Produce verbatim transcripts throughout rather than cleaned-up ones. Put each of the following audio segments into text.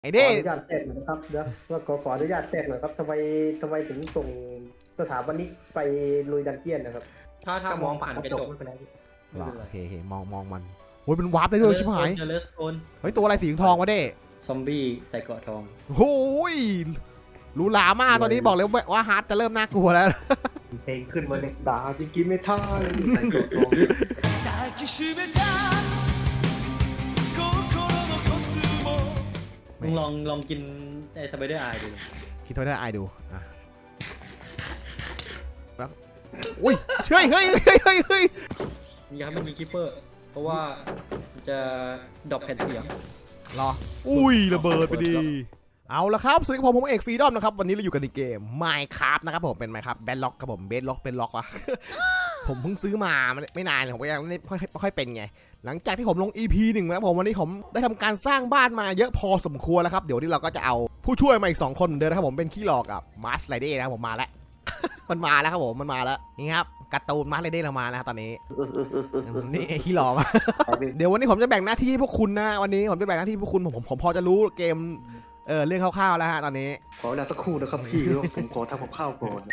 ไอ้ขอเด้อนุญาตแทรกหน่อยนะครับเดี๋ยวว่าขอขออนุญาตแทรกหน่อยครับทำไมทำไมถึงส่งสถาปนิกไปลุยดันเจียนนะครับถ้าถ้ามองผ่านกระจกไม่เป็นไรหรอโอเคโอเคมองมองมันโอ้ยมันวาร์ปได้ด้วยชิบหายเจอเลสโตนเฮ้ยตัวอะไรสีทองวะเด้ซอมบี้ใส่เกราะทองโอ้ยรู้หลามากตอนนี้บอกเลยว่าฮาร์ดจะเริ่มน่ากลัวแล้วเพลงขึ้นมาเลยด่าจริงๆไม่ท่าเลยใส่กดลงมึงลองลองกินไอ้สไปเดอร์ไอดูคิดว่าได้ไอดูอ่ะแล้วอุ้ยเชื่อเฮ้ยเฮ้ยเฮ้ยเฮ้ยอย่าให้มันมีคิปเปอร์ เพราะว่ามันจะดรอปแผ่นเสียงรออุ้ยระเบิดไปดีเอาละครับสวัสดีครับผมผมเอกฟรีดอมนะครับวันนี้เราอยู่กันในเกม Minecraft นะครับผมเป็น Minecraft Bedrock ครับผม Bedrock เป็นล็อกวะ ผมเพิ่งซื้อมาไม่นานผมก็ยังไม่ค่อยไม่ค่อยเป็นไงหลังจากที่ผมลง อี พี หนึ่งนะครับผมวันนี้ผมได้ทำการสร้างบ้านมาเยอะพอสมควรแล้วครับเดี๋ยวนี้เราก็จะเอาผู้ช่วยมาอีกสองคนเหมือนเดิมนะครับผมเป็นขี้หลอกกับมาร์สไรเดย์นะครับผมมาแล้ว มันมาแล้วครับผมมันมาแล้วนี่ครับการ์ตูนมาร์สไรเดย์เรามานะครับตอนนี้นี่ขี้หลอก เดี๋ยววันนี้ผมจะแบ่งหน้าที่พวกคุณนะวันนี้ผมจะแบ่งหน้าที่พวกคุณผมผมผมพอจะรู้เกมเออเรื่องคร่าวๆแล้วฮะตอนนี้ขอเวลาสักครู่นะครับพี่ผมขอทำกับข้าวก่อน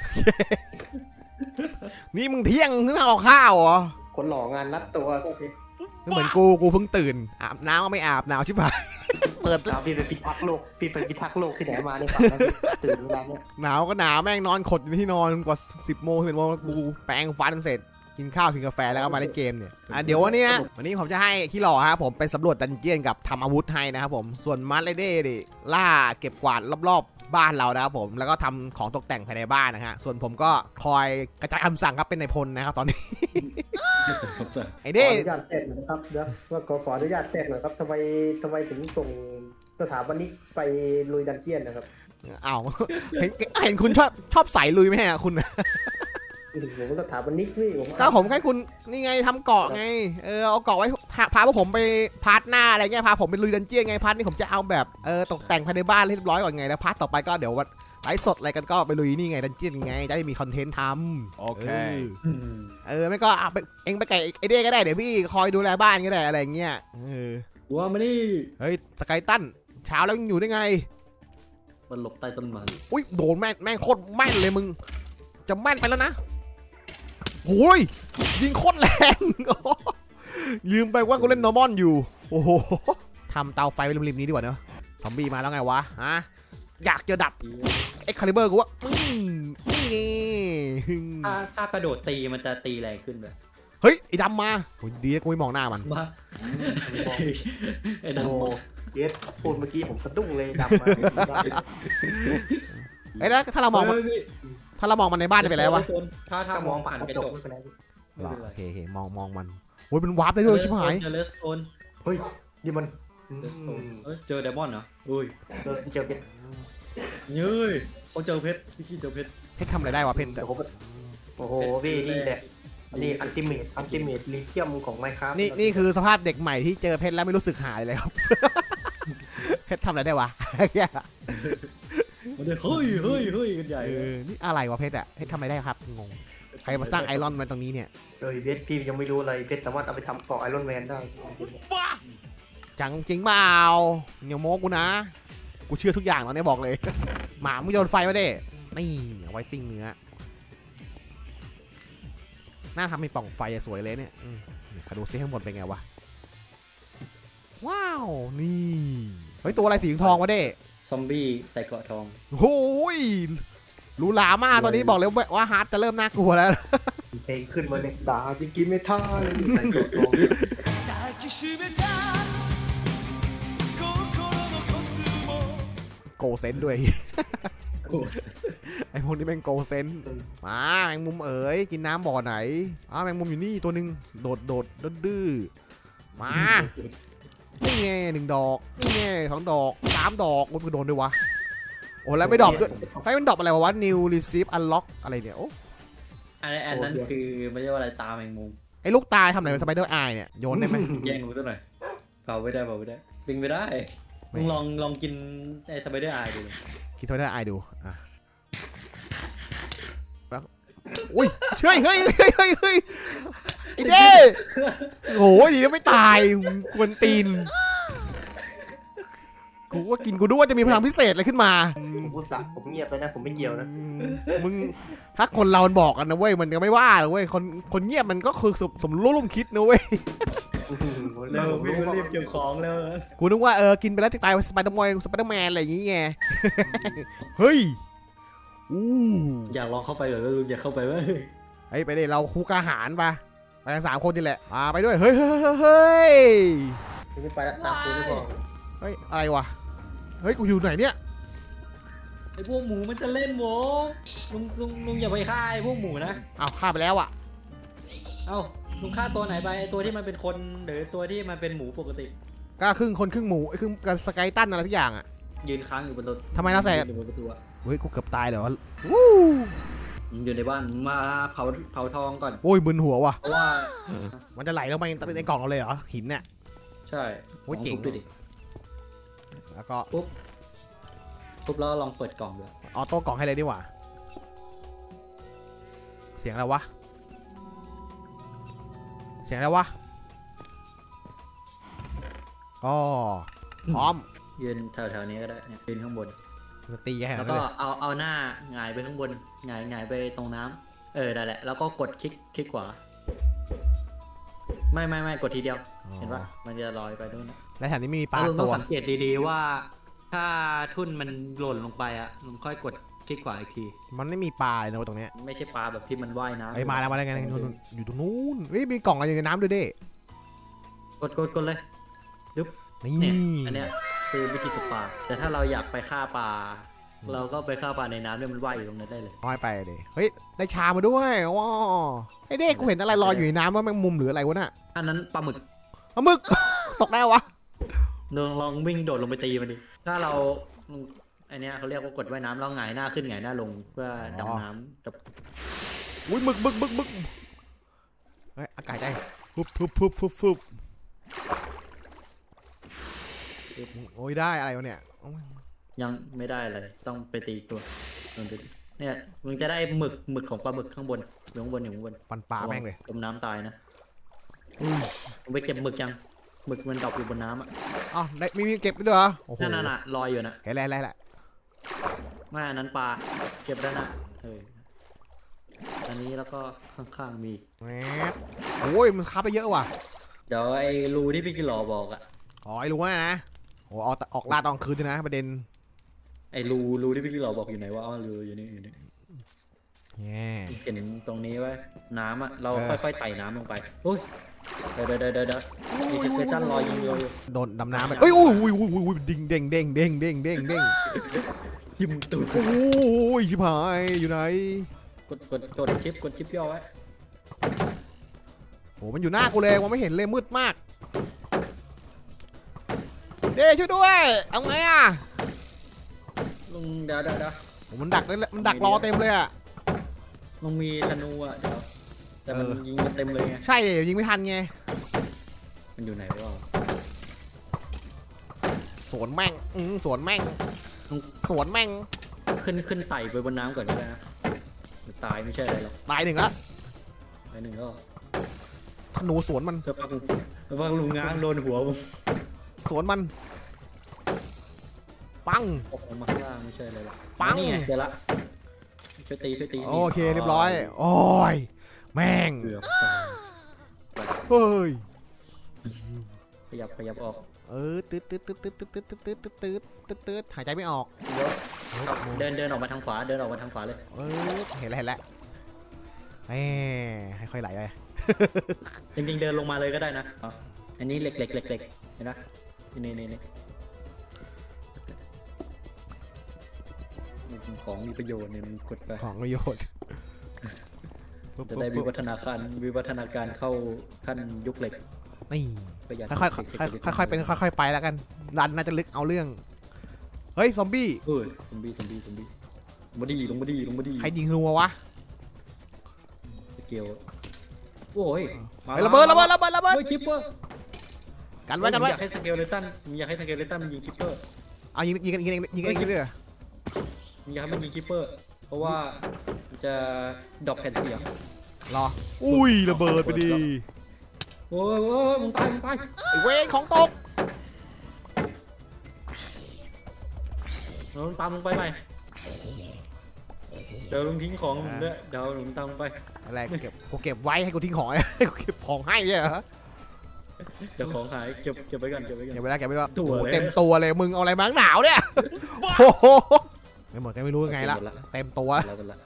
นี่มึงเที่ยงนึกเอาข้าวเหรอคนหล่องานรัดตัวก็ทีไม่เหมือนกูกูเพิ่งตื่นอาบน้ำก็ไม่อาบหนาวชิบหาย เปิดเราพี่ไปพิทักษ์โลกพี่ไปพิทักษ์โลกที่ไหนมาเนี่ยฝันแล้วตื่นเวลาเนี่ยหนาวก็หนาวแม่งนอนขดอยู่ที่นอนกว่าสิบโมงสิบโมงกูแปรงฟันเสร็จกินข้าวกินกาแฟแล้วก็มาเล่นเกมเนี่ยอ่ะเดี๋ยววันนี้นะวันนี้ผมจะให้ขี้หล่อฮะผมไปสำรวจดันเจียนกับทำอาวุธให้นะครับผมส่วนมาร์สไรเดย์ดิล่าเก็บกวาดรอบๆบ้านเรานะครับผมแล้วก็ทำของตกแต่งภายในบ้านนะฮะส่วนผมก็คอยกระจายคำสั่งครับเป็นนายพลนะครับตอนนี้ ไอ้ขอเด้อนุญาตแทรกหน่อยนะครับเดี๋ยวว่าขอขออนุญาตแทรกหน่อยครับทำไมทำไมถึงส่งสถาปนิกไปลุยดันเจียนนะครับอ้าวเห็นเห็นคุณชอบชอบใส่ลุยไหมฮะคุณผมสถาปนิกนี่ผมก็ผมให้คุณนี่ไงทำเกาะไงเออเอาเกาะไว้พาพาพวกผมไปพาร์ทหน้าอะไรเงี้ยพาผมไปลุยดันเจี้ยนไงพาร์ทนี้ผมจะเอาแบบเออตกแต่งภายในบ้านให้เรียบร้อยก่อนไงแล้วพาร์ทต่อไปก็เดี๋ยววันไลฟ์สดอะไรกันก็ไปลุยนี่ไงดันเจี้ยนไงจะได้มีคอนเทนต์ทำโอเคเออไม่ก็เอาไปเองไปไก่ไอเด้ก็ได้เดี๋ยวพี่คอยดูแลบ้านก็ได้อะไรเงี้ยเออว่าไม่ได้เฮ้ยสกายตันเช้าแล้วยังอยู่ได้ไงมันหลบใต้ต้นไม้อุ้ยโดนแม่งแม่งโคตรแม่นเลยมึงจะแม่นไปแล้วนะโอ้ยยิงโคตรแรง ลืมไปว่ากูเล่นนอร์มอนอยู่โอ้โหทำเตาไฟไว้ริมๆนี้ดีกว่าเนอะซอมบี้มาแล้วไงวะฮะอยากจะดับเอ็กคาลิเบอร์กูว่าอืมนี่ถ้าถ้ากระโดดตีมันจะตีแรงขึ้นเลยเฮ้ยไอ้ดำมาโอ้ยดีนะกูไม่มองหน้ามันมาไอ้ดโอ้เจสพูดเมื่อกี้ผมสะดุ้งเลยดำมาเอ้ยแล้วถ้าเรามองมันถ้าเรามองมันในบ้านจะเป็นไรวะถ้าถ้ามองผ่านกระจกไม่เป็นไรหรอโอเคโอเคมองมองมันโอ้ยมันวาร์ปได้ด้วยชิบหายเจอเลสโตนเฮ้ยนี่มันเลสโตนเจอไดมอนด์เหรออุ้ยเจอเจอเพชรเย้ยเขาเจอเพชรพี่ขี้เจอเพชรเพชรทำอะไรได้วะเพชรโอ้โหพี่นี่แหละนี่อันติเมตอันติเมตลิเทียมของไมค์ครับนี่นี่คือสภาพเด็กใหม่ที่เจอเพชรแล้วไม่รู้สึกหายเลยครับ เพชรทำอะไรได้วะมันเลยเฮ้ยเฮ้ยเฮ้ยกันใหญ่เออนี่อะไรวะเพชรอะเพชรทำอะไรได้ครับงงใครมาสร้างไอรอนไว้ตรงนี้เนี่ยเอ้ยเพชรพี่ยังไม่รู้อะไรเพชรสามารถเอาไปทำเกาะไอรอนแมนได้จังจริงเปล่าอย่าโม้กูนะกูเชื่อทุกอย่างตอนนี้บอกเลย หมามึงโยนไฟมาเด้นี่เอาไว้ปิ้งเนื้อน่าทำมีปล่องไฟสวยเลยเนี่ยอืมขอดูซิข้างบนเป็นไงวะว้าวนี่เฮ้ยตัวอะไรสีทองวะเด้ซอมบี้ใส่เกราะทองโอ้ยรู้หลามากตอนนี้บอกเลยว่าฮาร์ดจะเริ่มน่ากลัวแล้วเพลงขึ้นมาเลยด่าจริงๆไม่ท่าเลยใส่กดลงโกเซนด้วย ไอพวกนี้แม่งโกเซนมาแมงมุมเอ๋ยกินน้ำบ่อไหนอ้าวแมงมุมอยู่นี่ตัวหนึ่งโดดโดดดื้อมานี่ไงหนึ่งดอกนี่ไงสองดอกสามดอกโอ้ยกูโดนด้วยวะโอ้แล้วไม่ดอกด้วยให้มันดอกอะไรวะ new receive unlock อะไรเนี่ยโอ้อันอันนั้นคือไม่ใช่ว่าอะไรตาแมงมุมไอ้ลูกตายทำไหนเป็นสไปเดอร์ไอเนี่ยโยนได้ไหมแย่งหนูซะหน่อยเผาไม่ได้เผาไม่ได้ปิงไม่ได้มึงลองลองกินไอ้สไปเดอร์ไอดูคิดสไปเดอร์ไอดูอ่ะอุ้ยเชื่อเฮ้ยเฮ้ยเฮ้ยเฮ้ยไอ้เด้โอ้ยดีนะไม่ตายกวนตีนกูว่ากินกูด้วยว่าจะมีพลังพิเศษอะไรขึ้นมาผมพูดสักผมเงียบไปนะผมไม่เกี่ยวนะมึงถ้าคนเรามันบอกกันนะเว้ยมันก็ไม่ว่าหรอกเว้ยคนคนเงียบมันก็คือสมสมรู้ร่วมคิดนะเว้ยเร็ววิ่งมารีบเก็บของเลยกูนึกว่าเออกินไปแล้วจะตายสไปเดอร์แมนสไปเดอร์แมนอะไรอย่างงี้ไง เฮ้ยอู้อยากลองเข้าไปเหรอลุงอยากเข้าไปไหมไอ้ไปดิเราคู่กาหารปะไปกันสามคนนี่แหละมาไปด้วยเฮ้ยเฮ้ยเฮ้ยไม่ไปละตามคุณไม่พอเฮ้ยอะไรวะเฮ้ยกูอยู่ไหนเนี่ยไอ้พวกหมูมันจะเล่นโว้ลุงลุงลุงอย่าไปฆ่าไอ้พวกหมูนะอ้าวฆ่าไปแล้วอ่ะเอ้าลุงฆ่าตัวไหนไปไอ้ตัวที่มันเป็นคนหรือตัวที่มันเป็นหมูปกติก็ครึ่งคนครึ่งหมูไอ้ครึ่งกับสไกตันอะไรทุกอย่างอ่ะยืนค้างอยู่บนรถทำไมเราใส่อยู่บนประตูอะเฮ้ยกูเกือบตายเลยวะวู้มึงอยู่ในบ้านมึงมาเผาเผาทองก่อนโอ้ยมึนหัวว่ะเพราะว่ามันจะไหลลงไปในกล่องเราเลยเหรอหินเนี่ยใช่โอ้ยเจ๋งลทุบดูดิแล้วก็ปุ๊บปุ๊บแล้วลองเปิดกล่องดูออโต้กล่องให้เลยดีกว่าเสียงอะไรวะเสียงอะไรวะอ๋อพร้อมยืนแถวๆนี้ก็ได้เนี่ยยืนข้างบนจะตีแค่ไหนแล้วเลก็ยเอาเอาหน้าหงายไปข้างบนหงายหงายไปตรงน้ำเออได้แหละแล้วก็กดคลิกคลิกขวาไม่ไม่ไม่กดทีเดียวเห็นปะมันจะลอยไปด้วยนะและแถวนี้ไม่มีปลาแล้วลุงต้ตัองวสังเกตดีๆว่า ถ้าทุ่นมันหล่นลงไปอ่ะลุงค่อยกดคลิกขวาอีกทีมันไม่มีปลาเลยนะตรงเนี้ยไม่ใช่ปลาแบบที่มันว่ายน้ำไอ้ยมาแล้วมาแล้วไงอยู่ตรงนู้นเฮ้ยมีกล่องอะไรอยู่ในน้ำด้วยเด้กดกดกดเลยนี่เนี่ยอันเนี้ยคือวิธีตกปลาแต่ถ้าเราอยากไปฆ่าปลาเราก็ไปฆ่าปลาในน้ำเนี่ยมันว่ายอยู่ตรงนั้นได้เลยน้อยไปเลยเฮ้ยได้ชามาด้วยว้าไอ้เด็กกูเห็นอะไรลอยอยู่ในน้ำว่าแมงมุมหรืออะไรวะน่ะอันนั้นปลาหมึกปลาหมึก ตกได้วะลองลองวิ่งโดดลงไปตีมันดิถ้าเราอันเนี้ยเขาเรียกว่ากดว่ายน้ำเราหงายหน้าขึ้นหงายหน้าลงเพื่อดำน้ำกับอุ้ยหมึกหมึกหมึกหมึกเฮ้ยอากาศได้ฟุบฟุบฟุบฟุบฟุบโอ้ยได้อะไรวะเนี่ยยังไม่ได้เลยต้องไปตีตัวลองดูดิเนี่ยมึงจะได้หมึกหมึกของปลาหมึกข้างบนอยู่ข้างบนอยู่ข้างบนฟันปลาแม่งเลยจมน้ำตายนะอุ้ยมึงไปเก็บหมึกยังหมึกมันดรอปอยู่บนน้ำอ่ะอ๋อได้มีมีเก็บด้วยเหรอโอ้โหนั่นน่ะลอยอยู่นะเห็นแล้วเห็นแล้วไม่อันนั้นปลาเก็บด้านหน้าเอออันนี้แล้วก็ข้างๆมีแหมโอ้ยมันคับไปเยอะว่ะเดี๋ยวไอ้รูที่พี่กิโลบอกอ่ะอ๋อไอ้รู้ว่านะโอ้ออกออกล่าตอนคืนด้วยนะประเด็นไอ้รูรูที่พี่กิโลบอกอยู่ไหนวะอ๋อรูอยู่นี่อยู่นี่แง่เห็นตรงนี้ไว้น้ำอ่ะเราค่อยๆไต่น้ำลงไปโอ้ยเดี๋ยวเดี๋ยวเดี๋ยวเดี๋ยวมีเทคตันลอยยิงเดียวอยู่โดนดำน้ำไปเอ้ยอุ้ยอุ้ยอุ้ยอุ้ยอุ้ยดิ่งเด้งเด้งเด้งเด้งเด้งเด้งจิ้มตูดโอ้ยชิบหายอยู่ไหนกดกดกดชิปกดชิปย่อไว้โอ้มันอยู่หน้ากูเลยมองไม่เห็นเลยมืดมากเด้ช่วยด้วยเอาไงอ่ะลุงเดี๋ยวเดี๋ยวเดี๋ยวโอ้มันดักเลยมันดักรอเต็มเลยอ่ะลุงมีธนูอ่ะเดี๋ยวแต่มันเออยิงมันเต็มเลยไงใช่ยิงไม่ทันไงมันอยู่ไหนวะสวนแม่งอืมสวนแม่งสวนแม่งขึ้นขึ้นไต่ไปบนน้ำก่อนก็ได้นะมันตายไม่ใช่อะไรหรอกตายหนึ่งละไอ้หนึ่งก็ธนูสวนมันเสื้อผ้าลุงเสื้อผ้าลุงง้างโดนหัวผมสวนมันปังตกลงมาข้างล่างไม่ใช่อะไรหรอกปังนี่ไงเดี๋ยวละช่วยตีช่วยตีโอเคเรียบร้อยโอ้ยแม่งเกือบตายเฮ้ยขยับขยับออกเออตืดตืดตืดตืดตืดตืดตืดตืดตืดตืดตืดหายใจไม่ออกเดี๋ยวเดินเดินออกมาทางขวาเดินออกมาทางขวาเลยเออเห็นแล้วเห็นแล้วแหมให้ค่อยไหลไปจริงๆเดินลงมาเลยก็ได้นะอ๋ออันนี้เหล็กเหล็กเหล็กเหล็กเห็นไหมนี่นี่นี่ของมีประโยชน์เนี่ยมันกดไปของประโยชน์จะได้วิวัฒนาการวิวัฒนาการเข้าขั้นยุคเหล็กนี่ประหยัดค่อยๆค่อยๆค่อยๆเป็นค่อยๆไปแล้วกันรันน่าจะลึกเอาเรื่องเฮ้ยซอมบี้เฮ้ยซอมบี้ซอมบี้ซอมบี้ลงมาดีลงมาดีลงมาดีใครยิงรัววะสเกลโอ้ยมาเฮ้ยระเบิดระเบิดระเบิดระเบิดเฮ้ยคิปเปอร์กันไว้กันไว้อยากให้สเกลเลตันอยากให้สเกลเลตันมันยิงคิปเปอร์เอายิงยิงกันยิงกันยิงกันยิงกันเลยเหรออยากให้มันยิงคิปเปอร์ เพราะว่ามันจะดรอปแผ่นเสียงรออุ้ยระเบิดไปดิโอ้ยโอ้ยมึงตายมึงตายไอเวรของตกเราตามลงไปใหม่เดี๋ยวลุงทิ้งของผมด้วยเดี๋ยวลุงตามลงไปอะไรเก็บกูเก็บไว้ให้กูทิ้งของให้กูเก็บของให้ไม่ใช่เหรอเดี๋ยวของหายเก็บเก็บไว้ก่อนเก็บไว้ก่อนเก็บไว้แล้วเก็บไว้แล้วตัวโอ้โหเลยเต็มตัวเลยมึงเอาอะไรมาหนาวเนี่ยโอ้โหไม่หมดก็ไม่รู้ยังไงละเต็มตัวแล้วกันละ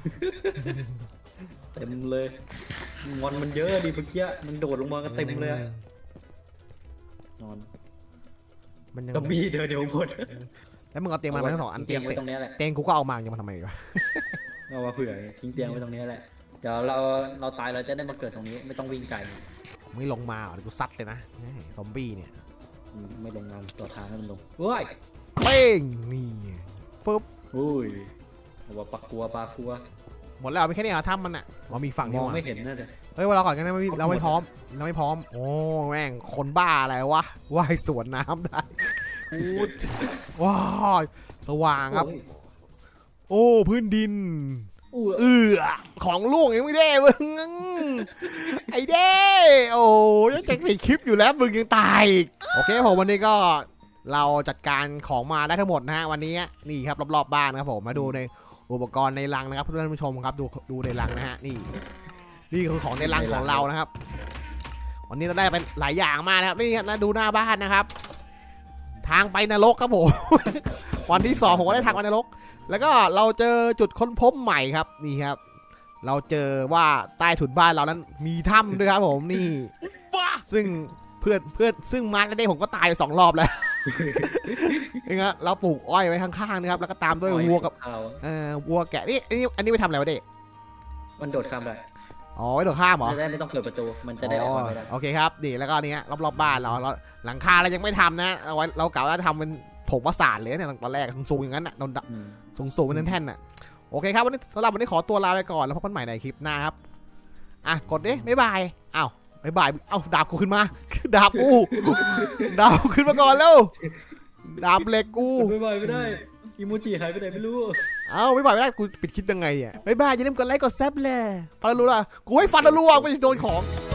เต็มเลยงอนมันเยอะดิเมื่อกี้มันโดดลงมากันเต็มเลยอะนอนมันยังก็มีเดินเดี๋ยวหมดแล้วมึงเอาเตียงมาทั้งสองอันเตีเตียยงงไว้ตรงนี้แหละเตียงกูก็เอามาจะมาทำไมวะเอามาเผื่อทิ้งเตียงไว้ตรงนี้แหละเดี๋ยวเราเราตายเราจะได้มาเกิดตรงนี้ไม่ต้องวิ่งไกลไม่ลงมาเหรอเดี๋ยวกูซัดเลยนะแหม่ซอมบี้เนี่ยอืมไม่ลงมาตัวทางให้มันลงเฮ้ยเป้งนี่ฟึบอุ้ยเอาว่าปากกลัวปากกลัวหมดแล้วไม่แค่นี้เหรอถ้ำมันอ่ะว่ามีฝั่งมนี้องว่ะไม่เห็นนะเดี๋ยวเฮ้ยว่าเราก่อนกันนะไม่เราไม่พร้อมเราไม่พร้อมโอ้แม่งคนบ้าอะไรวะว่ายสวนน้ำได้อูดว้าวสว่างครับ โอ้พื้นดินอู้เออของล่วงยังไม่ได้มึงไอ้เด้โอ้ยยังจะปิดคลิปอยู่แล้วมึงยังตายอีกโอเคผมวันนี้ก็เราจัดการของมาได้ทั้งหมดนะฮะวันนี้นี่ครับรอบๆบ้านนะครับผมมาดูในอุปกรณ์ในรังนะครับเพื่อนผู้ชมครับดูดูในรังนะฮะนี่นี่คือของในรังของเรานะครับ วันนี้เราได้เป็นหลายอย่างมากนะครับนี่นะดูหน้าบ้านนะครับ ทางไปนรกครับผม วันที่สองผมก็ได้ทางไปนรก แล้วก็เราเจอจุดค้นพบใหม่ครับนี่ครับ เราเจอว่าใต้ถุนบ้านเรานั้นมีถ้ำด้วยครับผมนี่ซึ่งเพื่อนเพื่อนซึ่งมาร์คได้ผมก็ตายไปสองรอบแล้ว นี่ครับเราปลูกอ้อยไว้ข้างๆนะครับแล้วก็ตามด้วยวัวกับเอาเอ่อวัวแกะนี่อันนี้อันนี้ไปทำอะไรวะเด็กมันโดดข้ามได้อ๋อไว้โดดข้ามเหรอจะได้ไม่ต้องเปิดประตูมันจะได้ออกมาไม่ได้โอเคครับนี่แล้วก็เนี้ยรอบๆบ้านเราเราหลังคาเรายังไม่ทำนะเอาไว้เรากะว่าจะทำเป็นถงประสาทเลยเนี่ยตอนแรกสูงๆอย่างนั้นอ่ะโดนอืมสูงสูงเป็นแท่นๆน่ะโอเคครับวันนี้สำหรับวันนี้ขอตัวลาไปก่อนแล้วพบกันใหม่ในคลิปหน้าครับอ่ะกดดิบ๊ายบายอ้าวบ๊ายบายเอ้าดาบกูขึ้นมา ดาบกูดาบกูขึ้นมาก่อนแล้วดาบเหล็กกูไม่ไหวไม่ได้อิโมจิหายไปไหนไม่รู้เอ้าบ๊ายบายไม่ได้กูปิดคลิปยังไงเนี่ยบ๊ายบายอย่าลืมกดไลค์กดแซบเลยฟันรัวๆกูให้ฟันรัวๆไม่ใช่โดนของ